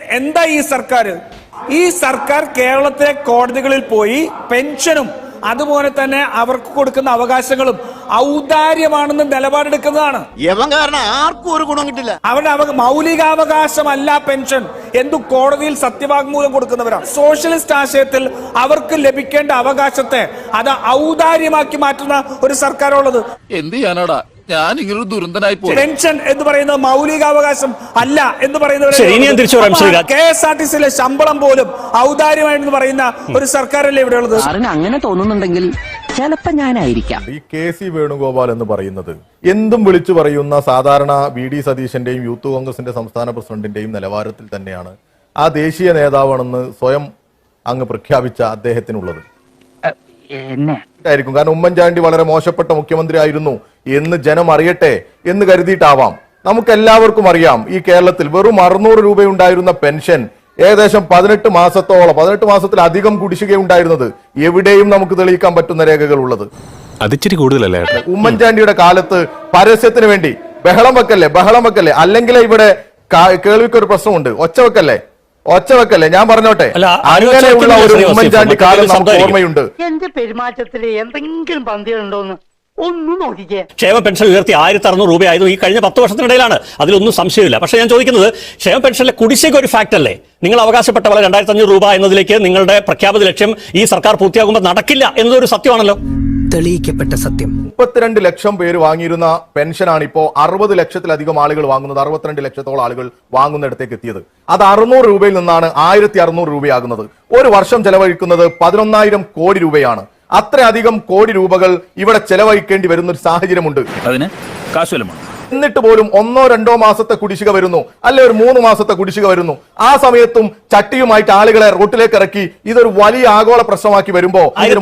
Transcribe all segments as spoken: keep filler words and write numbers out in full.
എന്താ ഈ സർക്കാർ ഈ സർക്കാർ കേരളത്തിലെ കോടതികളിൽ പോയി പെൻഷനും അതുപോലെ തന്നെ അവർക്ക് കൊടുക്കുന്ന അവകാശങ്ങളും ഔദാര്യമാണെന്ന് നിലപാടെടുക്കുന്നതാണ്. ആർക്കും ഒരു ഗുണം കിട്ടില്ല. അവരുടെ മൗലികാവകാശമല്ല പെൻഷൻ എന്തു കോടതിയിൽ സത്യവാങ്മൂലം കൊടുക്കുന്നവരാണ്. സോഷ്യലിസ്റ്റ് ആശയത്തിൽ അവർക്ക് ലഭിക്കേണ്ട അവകാശത്തെ അത് ഔദാര്യമാക്കി മാറ്റുന്ന ഒരു സർക്കാരുള്ളത്. എന്ത് ചെയ്യാനാടാ ഞാൻ ഇങ്ങനെ ദുരന്തനായി പോയി. പെൻഷൻ എന്ന് പറയുന്നത് മൗലികാവകാശം അല്ല എന്ന് പറയുന്നത് കെ എസ് ആർ ടി സിയിലെ ശമ്പളം പോലും ഔദാര്യമാണെന്ന് പറയുന്ന ഒരു സർക്കാരല്ലേ ഇവിടെ ഉള്ളത്. അങ്ങനെ തോന്നുന്നുണ്ടെങ്കിൽ ചിലപ്പോ ഞാനായിരിക്കാം. ഈ കെ സി വേണുഗോപാൽ എന്ന് പറയുന്നത് എന്തും വിളിച്ചു പറയുന്ന സാധാരണ വി ഡി സതീശന്റെയും യൂത്ത് കോൺഗ്രസിന്റെ സംസ്ഥാന പ്രസിഡന്റിന്റെയും നിലവാരത്തിൽ തന്നെയാണ് ആ ദേശീയ നേതാവാണെന്ന് സ്വയം അങ്ങ് പ്രഖ്യാപിച്ച അദ്ദേഹത്തിനുള്ളത്. ായിരിക്കും കാരണം ഉമ്മൻചാണ്ടി വളരെ മോശപ്പെട്ട മുഖ്യമന്ത്രി ആയിരുന്നു എന്ന് ജനം അറിയട്ടെ എന്ന് കരുതിയിട്ടാവാം. നമുക്ക് എല്ലാവർക്കും അറിയാം ഈ കേരളത്തിൽ വെറും അറുന്നൂറ് രൂപയുണ്ടായിരുന്ന പെൻഷൻ ഏകദേശം പതിനെട്ട് മാസത്തോളം പതിനെട്ട് മാസത്തിലധികം കുടിശ്ശികയുണ്ടായിരുന്നത് എവിടെയും നമുക്ക് തെളിയിക്കാൻ പറ്റുന്ന രേഖകൾ ഉള്ളത്. അതിച്ചിരി കൂടുതലല്ലേ? ഉമ്മൻചാണ്ടിയുടെ കാലത്ത് പരസ്യത്തിന് വേണ്ടി ബഹളം വെക്കല്ലേ ബഹളം വെക്കല്ലേ അല്ലെങ്കിൽ ഇവിടെ കേൾവിക്കൊരു പ്രശ്നമുണ്ട്, ഒച്ച വെക്കല്ലേ ഒച്ച വെക്കല്ലേ ഞാൻ പറഞ്ഞോട്ടെ. അങ്ങനെയുള്ള ഒരു ഉമ്മൻചാണ്ടി കാലം നമുക്ക് ഓർമ്മയുണ്ട്. എന്റെ പെരുമാറ്റത്തിൽ എന്തെങ്കിലും പന്തികളുണ്ടോന്ന് ഒന്നും നോക്കിക്കേ. ക്ഷേമ പെൻഷൻ ഉയർത്തി ആയിരത്തി അറുന്നൂറ് രൂപയായിരുന്നു ഈ കഴിഞ്ഞ പത്ത് വർഷത്തിനിടയിലാണ്, അതിലൊന്നും സംശയമില്ല. പക്ഷേ ഞാൻ ചോദിക്കുന്നത് ക്ഷേമ പെൻഷനിലെ കുടിശ്ശിക ഒരു ഫാക്ട് അല്ലേ? നിങ്ങൾ അവകാശപ്പെട്ട പോലെ രണ്ടായിരത്തി അഞ്ഞൂറ് രൂപ എന്നതിലേക്ക് നിങ്ങളുടെ പ്രഖ്യാപിത ലക്ഷ്യം ഈ സർക്കാർ പൂർത്തിയാകുമ്പോൾ നടക്കില്ല എന്നതൊരു സത്യമാണല്ലോ, തെളിയിക്കപ്പെട്ട സത്യം. മുപ്പത്തിരണ്ട് ലക്ഷം പേര് വാങ്ങിയിരുന്ന പെൻഷനാണ് ഇപ്പോ അറുപത് ലക്ഷത്തിലധികം ആളുകൾ വാങ്ങുന്നത്. അറുപത്തിരണ്ട് ലക്ഷത്തോളം ആളുകൾ വാങ്ങുന്നിടത്തേക്ക് എത്തിയത്. അത് അറുന്നൂറ് രൂപയിൽ നിന്നാണ് ആയിരത്തി അറുന്നൂറ് രൂപയാകുന്നത്. ഒരു വർഷം ചെലവഴിക്കുന്നത് പതിനൊന്നായിരം കോടി രൂപയാണ്. അത്രയധികം കോടി രൂപകൾ ഇവിടെ ചെലവഴിക്കേണ്ടി വരുന്ന ഒരു സാഹചര്യമുണ്ട്. അതിന് കാശുവല്ലമാണ്. എന്നിട്ട് പോലും ഒന്നോ രണ്ടോ മാസത്തെ കുടിശ്ശിക വരുന്നു, അല്ലെ ഒരു മൂന്ന് മാസത്തെ കുടിശ്ശിക വരുന്നു. ആ സമയത്തും ചട്ടിയുമായിട്ട് ആളുകളെ റോട്ടിലേക്ക് ഇറക്കി ഇതൊരു വലിയ ആഗോള പ്രശ്നമാക്കി വരുമ്പോ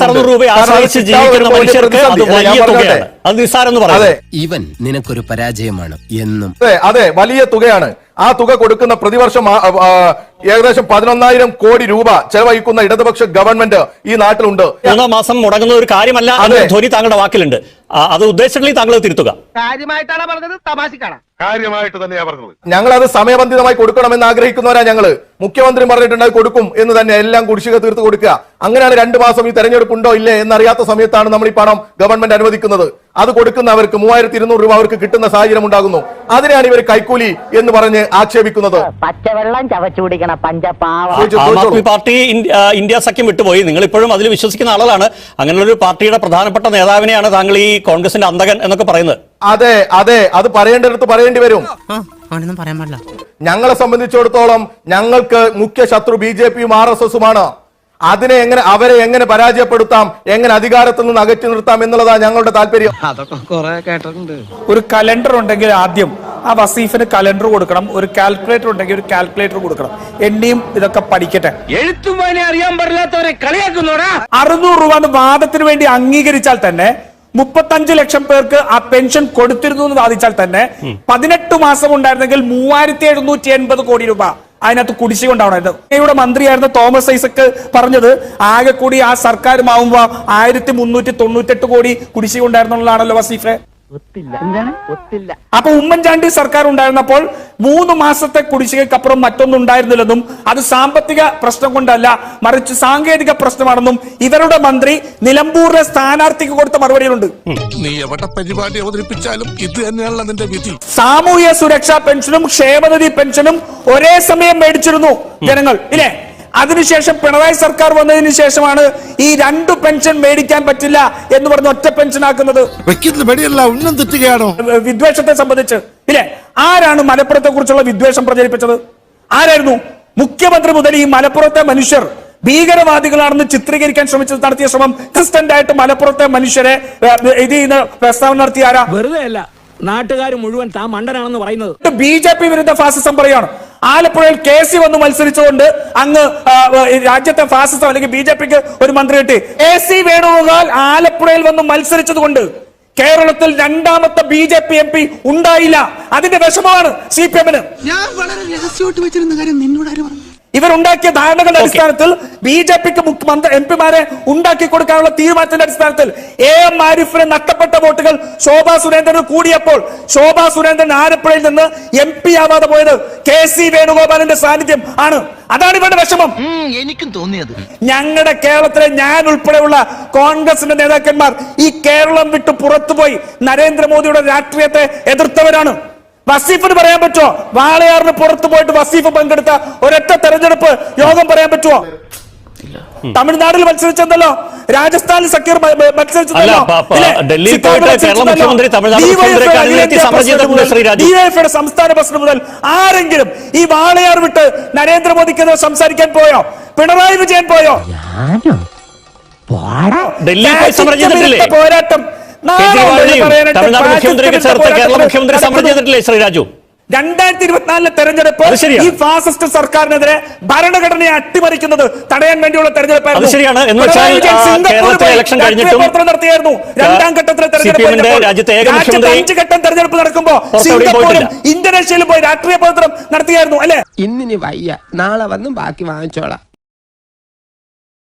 ഇവൻ നിനക്കൊരു പരാജയമാണ് എന്നും. അതെ അതെ വലിയ തുകയാണ്. ആ തുക കൊടുക്കുന്ന പ്രതിവർഷം ഏകദേശം പതിനൊന്നായിരം കോടി രൂപ ചെലവഴിക്കുന്ന ഇടതുപക്ഷ ഗവൺമെന്റ് ഈ നാട്ടിലുണ്ട്. മൂന്നാം മാസം മുടങ്ങുന്ന ഒരു കാര്യമല്ല ധോനി താങ്കളുടെ വാക്കിലുണ്ട്. അത് ഉദ്ദേശിച്ചില്ലെങ്കിൽ താങ്കൾ തിരുത്തുക. കാര്യമായിട്ടാണ് പറഞ്ഞത്, തമാശക്കാണ്. കാര്യമായിട്ട് തന്നെയാ പറഞ്ഞത്. ഞങ്ങൾ അത് സമയബന്ധിതമായി കൊടുക്കണമെന്ന് ആഗ്രഹിക്കുന്നവരാ ഞങ്ങള്. മുഖ്യമന്ത്രി പറഞ്ഞിട്ടുണ്ട് കൊടുക്കും എന്ന് തന്നെ, എല്ലാം കുടിശ്ശിക തീർത്ത് കൊടുക്കുക. അങ്ങനെയാണ് രണ്ടു മാസം ഈ തെരഞ്ഞെടുപ്പ് ഉണ്ടോ ഇല്ലേ എന്നറിയാത്ത സമയത്താണ് നമ്മൾ ഈ പണം ഗവൺമെന്റ് അനുവദിക്കുന്നത്. അത് കൊടുക്കുന്നവർക്ക് മൂവായിരത്തി ഇരുന്നൂറ് രൂപ അവർക്ക് കിട്ടുന്ന സാഹചര്യം ഉണ്ടാകുന്നു. അതിനെയാണ് ഇവർ കൈക്കൂലി എന്ന് പറഞ്ഞ് ആക്ഷേപിക്കുന്നത്. പച്ചവെള്ളം ചവച്ചു കുടിക്കണ പഞ്ചപാവ. ആം ആദ്മി പാർട്ടി ഇന്ത്യ സഖ്യം വിട്ടുപോയി. നിങ്ങൾ ഇപ്പോഴും അതിൽ വിശ്വസിക്കുന്ന ആളുകളാണ്. അങ്ങനെയുള്ള പാർട്ടിയുടെ പ്രധാനപ്പെട്ട നേതാവിനെയാണ് താങ്കൾ ഈ കോൺഗ്രസിന്റെ അന്തകൻ എന്നൊക്കെ പറയുന്നത്. അതെ അതെ അത് പറയേണ്ടടുത്ത് പറയേണ്ടി വരും. പറയാൻ പാടില്ല. ഞങ്ങളെ സംബന്ധിച്ചിടത്തോളം ഞങ്ങൾക്ക് മുഖ്യ ശത്രു ബി ജെ പിയും ആർ എസ് എസുമാണ്. അതിനെ എങ്ങനെ അവരെ എങ്ങനെ പരാജയപ്പെടുത്താം, എങ്ങനെ അധികാരത്തിൽ നിന്ന് അകറ്റി നിർത്താം എന്നുള്ളതാണ് ഞങ്ങളുടെ താല്പര്യം. അതൊക്കെ കുറെ കേട്ടിട്ടുണ്ട്. ഒരു കലണ്ടർ ഉണ്ടെങ്കിൽ ആദ്യം ആ വസീഫിന് കലണ്ടർ കൊടുക്കണം, ഒരു കാൽക്കുലേറ്റർ ഉണ്ടെങ്കിൽ ഒരു കാൽക്കുലേറ്റർ കൊടുക്കണം. എണ്ണിയും ഇതൊക്കെ പഠിക്കട്ടെ. എഴുത്തും വായന അറിയാൻ പാടില്ലാത്തവരെ കളിയാക്കുന്നോടാ. അറുന്നൂറ് രൂപ വാദത്തിന് വേണ്ടി അംഗീകരിച്ചാൽ തന്നെ മുപ്പത്തഞ്ച് ലക്ഷം പേർക്ക് ആ പെൻഷൻ കൊടുത്തിരുന്നു എന്ന് വാദിച്ചാൽ തന്നെ പതിനെട്ട് മാസം ഉണ്ടായിരുന്നെങ്കിൽ മൂവായിരത്തി എഴുന്നൂറ്റി എൺപത് കോടി രൂപ അതിനകത്ത് കുടിശ്ശിക ഉണ്ടാവണമായിരുന്നു. ഇവിടെ മന്ത്രിയായിരുന്ന തോമസ് ഐസക് പറഞ്ഞത് ആകെ കൂടി ആ സർക്കാരുമാവുമ്പോ ആയിരത്തി മുന്നൂറ്റി തൊണ്ണൂറ്റെട്ട് കോടി കുടിശ്ശിക ഉണ്ടായിരുന്നുള്ളതാണല്ലോ വസീഫെ. അപ്പൊ ഉമ്മൻചാണ്ടി സർക്കാർ ഉണ്ടായിരുന്നപ്പോൾ മൂന്ന് മാസത്തെ കുടിശ്ശികക്കപ്പുറം മറ്റൊന്നും ഉണ്ടായിരുന്നില്ലെന്നും അത് സാമ്പത്തിക പ്രശ്നം കൊണ്ടല്ല മറിച്ച് സാങ്കേതിക പ്രശ്നമാണെന്നും ഇവരുടെ മന്ത്രി നിലമ്പൂരിലെ സ്ഥാനാർത്ഥിക്ക് കൊടുത്ത മറുപടിയിലുണ്ട്. നീ എവിടെ പരിപാടി അവതരിപ്പിച്ചാലും ഇത് തന്നെയാണല്ലോ നിന്റെ വിധി. സാമൂഹ്യ സുരക്ഷാ പെൻഷനും ക്ഷേമനിധി പെൻഷനും ഒരേ സമയം മേടിച്ചിരുന്നു ജനങ്ങൾ ഇല്ലേ? അതിനുശേഷം പിണറായി സർക്കാർ വന്നതിന് ശേഷമാണ് ഈ രണ്ടു പെൻഷൻ മേടിക്കാൻ പറ്റില്ല എന്ന് പറഞ്ഞ് ഒറ്റ പെൻഷൻ ആക്കുന്നത്. വിദ്വേഷത്തെ സംബന്ധിച്ച് ഇല്ലേ? ആരാണ് മലപ്പുറത്തെ കുറിച്ചുള്ള വിദ്വേഷം പ്രചരിപ്പിച്ചത്? ആരായിരുന്നു? മുഖ്യമന്ത്രി മുതൽ ഈ മലപ്പുറത്തെ മനുഷ്യർ ഭീകരവാദികളാണെന്ന് ചിത്രീകരിക്കാൻ ശ്രമിച്ചത്, നടത്തിയ ശ്രമം കൺസിസ്റ്റന്റ് ആയിട്ട് മലപ്പുറത്തെ മനുഷ്യരെ ഇത് പ്രസ്താവന നടത്തിയ ആരാ? വെറുതെ അല്ല, നാട്ടുകാർ മുഴുവൻ താൻ മണ്ടനാണെന്ന് പറയുന്നത്. ബി ജെ പി വിരുദ്ധ ഫാസിസം പറയാണ്. ആലപ്പുഴയിൽ കെ സി വന്ന് മത്സരിച്ചുകൊണ്ട് അങ്ങ് രാജ്യത്തെ ഫാസിസം അല്ലെങ്കിൽ ബി ജെ പിക്ക് ഒരു മന്ത്രി കിട്ടി. കെ സി വേണുഗോപാൽ ആലപ്പുഴയിൽ വന്ന് മത്സരിച്ചത് കൊണ്ട് കേരളത്തിൽ രണ്ടാമത്തെ B J P M P ഉണ്ടായില്ല. അതിന്റെ വിഷമമാണ് സി പി എമ്മിന്. ഞാൻ വളരെ രഹസ്യമായിട്ട് വെച്ചിരുന്ന കാര്യം നിന്നോട് ആര് പറഞ്ഞു? ഇവരുണ്ടാക്കിയ ധാരണകളുടെ അടിസ്ഥാനത്തിൽ ബി ജെ പിക്ക് എം പിമാരെ ഉണ്ടാക്കി കൊടുക്കാനുള്ള തീരുമാനത്തിന്റെ അടിസ്ഥാനത്തിൽ എ എം ആരിഫിന് നഷ്ടപ്പെട്ട വോട്ടുകൾ ശോഭാ സുരേന്ദ്രന് കൂടിയപ്പോൾ ശോഭാ സുരേന്ദ്രൻ ആലപ്പുഴയിൽ നിന്ന് എം പി ആവാതെ പോയത് കെ സി വേണുഗോപാലിന്റെ സാന്നിധ്യം ആണ്. അതാണ് ഇവരുടെ വിഷമം. എനിക്കും തോന്നിയത് ഞങ്ങളുടെ കേരളത്തിലെ ഞാൻ ഉൾപ്പെടെയുള്ള കോൺഗ്രസിന്റെ നേതാക്കന്മാർ ഈ കേരളം വിട്ട് പുറത്തുപോയി നരേന്ദ്രമോദിയുടെ രാഷ്ട്രീയത്തെ എതിർത്തവരാണ്. വസീഫിന് പറയാൻ പറ്റുമോ വാളയാറിന് പുറത്തു പോയിട്ട് വസീഫ് പങ്കെടുത്ത ഒരൊറ്റ തെരഞ്ഞെടുപ്പ് യോഗം പറയാൻ പറ്റുമോ? തമിഴ്നാട്ടിൽ മത്സരിച്ചെന്നല്ലോ, രാജസ്ഥാനിൽ സക്കീർ മത്സരിച്ചതല്ലോ, ഡൽഹിയിൽ പോയിട്ട് കേരള മുഖ്യമന്ത്രി തമിഴ്നാട് മുഖ്യമന്ത്രിയെ അണിനിരത്തി സമരം ചെയ്തിട്ടുണ്ട് ശ്രീ രാജു. ഡിവൈഎഫ്ഐയുടെ സംസ്ഥാന പ്രസിഡന്റ് മുതൽ ആരെങ്കിലും ഈ വാളയാർ വിട്ട് നരേന്ദ്രമോദിക്കെതിരെ സംസാരിക്കാൻ പോയോ? പിണറായി വിജയൻ പോയോ? ഡൽഹിയിൽ പോയി സമരം ചെയ്തിട്ടില്ലേ? പോരാട്ടം തമിഴ്നാട് മുഖ്യമന്ത്രിക്ക് ചേർത്ത് കേരള മുഖ്യമന്ത്രി സമരം ചെയ്തിട്ടില്ലേ ശ്രീ രാജു? രണ്ടായിരത്തി ഇരുപത്തിനാലിലെ തെരഞ്ഞെടുപ്പ് ഈ ഫാസിസ്റ്റ് സർക്കാരിനെതിരെ ഭരണഘടനയെ അട്ടിമറിക്കുന്നത് തടയാൻ വേണ്ടിയുള്ള തെരഞ്ഞെടുപ്പായിരുന്നു. ശരിയാണ്. എന്ന് വെച്ചാൽ കേരളത്തിലെ ഇലക്ഷൻ കഴിഞ്ഞിട്ടും നടത്തിയായിരുന്നു. രണ്ടാം ഘട്ടത്തിലെ തെരഞ്ഞെടുപ്പ് അഞ്ച് ഘട്ടം തെരഞ്ഞെടുപ്പ് നടക്കുമ്പോൾ സിംഗപ്പൂരും ഇന്തോനേഷ്യയിലും പോയി രാഷ്ട്രീയ പ്രവർത്തനം നടത്തിയായിരുന്നു അല്ലെ? ഇന്നിനി വയ്യ, നാളെ വന്നും ബാക്കി വാങ്ങിച്ചോളാം.